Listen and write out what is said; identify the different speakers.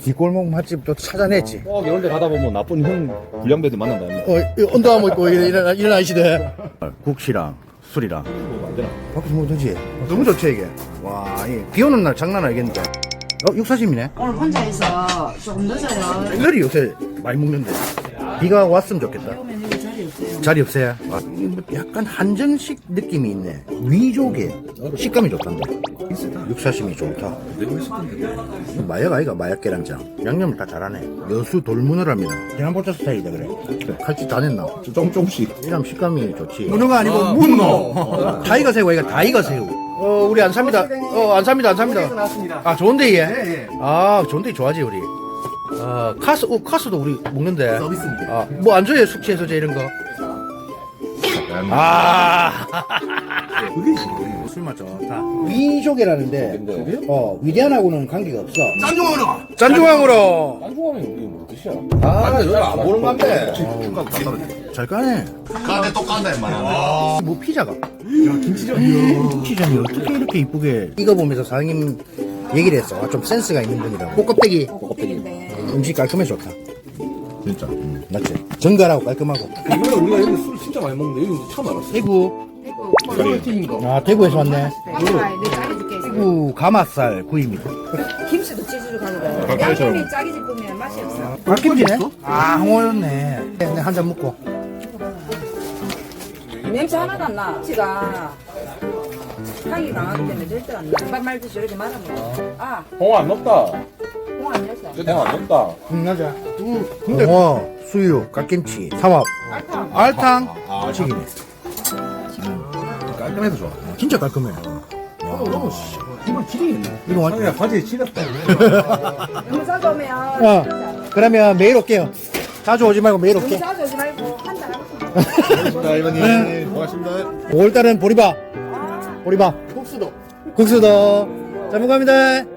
Speaker 1: 뒷골목 맛집 또 찾아냈지.
Speaker 2: 꼭 이런 데 가다 보면 나쁜 형 불량배들 만난다.
Speaker 1: 언더아머 입고 일어나시대. 국시랑 술이랑
Speaker 2: 안 되나?
Speaker 1: 밖에서 먹으면 되지. 너무 좋지 이게. 와, 비 오는 날 장난 아니겠는데. 육사심이네.
Speaker 3: 오늘 혼자 있어 조금 늦어요.
Speaker 1: 애들이 요새 많이 먹는데. 비가 왔으면 좋겠다.
Speaker 3: 오면 여기 자리 없어요.
Speaker 1: 자리 없어요? 아, 약간 한정식 느낌이 있네. 위조개. 식감이 좋단다. 육사심이 좋다. 마약 아이가 마약 계란장. 양념을 다 잘하네. 여수 돌문어랍니다. 대한포차 스타일이다 그래. 칼집 다 냈나?
Speaker 2: 조금씩.
Speaker 1: 이러면 식감이 좋지. 문어가 아니고 문어. 타이거 새우 이거 타이거 새우. 우리 안 삽니다. 안 삽니다. 안 삽니다. 아, 좋은데 얘?
Speaker 4: 네.
Speaker 1: 아, 좋은데 좋아하지 우리. 카스도 우리 먹는데.
Speaker 4: 서비스입니다.
Speaker 1: 아, 뭐 안 줘요? 숙취 해소제 이런 거. 아.
Speaker 4: 그게 지금
Speaker 1: 술맛 좋다. 위조개라는데, 위대한하고는 관계가 없어.
Speaker 4: 짠중으로
Speaker 1: 짠중앙으로.
Speaker 2: 딴중하면 이게 뭐 뜻이야?
Speaker 4: 아 여기 안 보는 건데
Speaker 1: 잘 까네.
Speaker 4: 가는데 또 깐다 임마
Speaker 1: 뭐 피자가. 김치전이 어떻게 이렇게 이쁘게. 이거 보면서 사장님 얘기를 했어. 아, 좀 센스가 있는 분이라고. 꽃껍데기. 음식 깔끔해 좋다.
Speaker 2: 진짜.
Speaker 1: 맞지? 정갈하고 깔끔하고.
Speaker 2: 이번에 우리가 여기 술 진짜 많이 먹는데 여기 처음 알았어.
Speaker 1: 대구.
Speaker 2: 튀긴 거.
Speaker 1: 아, 대구에서 왔네.
Speaker 3: 내 짜리 줄게.
Speaker 1: 대구 가마살 구이입니다.
Speaker 3: 김치도 찌주로 가져가요.
Speaker 2: 깍두기처럼.
Speaker 3: 양념이 짜기 짚으면 맛이 없어.
Speaker 1: 갓김치네? 아, 홍어였네. 네, 한 잔 먹고.
Speaker 3: 냄새 하나도 안 나. 김치가 향이 강하기 때문에 절대 안 나. 밥 말듯이 이렇게 말아 먹어. 아,
Speaker 2: 홍어 안 넣었다.
Speaker 3: 홍 안 냈어.
Speaker 2: 홍어 안 넣었다.
Speaker 1: 맞아. 홍어, 수유, 갓김치, 삼합, 알탕, 튀기네.
Speaker 4: 깔끔해서 좋아
Speaker 1: 진짜 깔끔해.
Speaker 4: 이건 튀기겠네
Speaker 1: 이거 완전.
Speaker 4: 야 바지에 칠했다
Speaker 3: 너무 자주 오면
Speaker 1: 그러면 매일 올게요. 자주 오지 말고 매일
Speaker 3: 너무
Speaker 1: 올게.
Speaker 3: 자주 오지 말고 한 달 하고.
Speaker 4: 고맙습니다 이번님 고맙습니다
Speaker 1: 5월달은 보리밥. 보리밥. 국수도. 잘 먹습니다.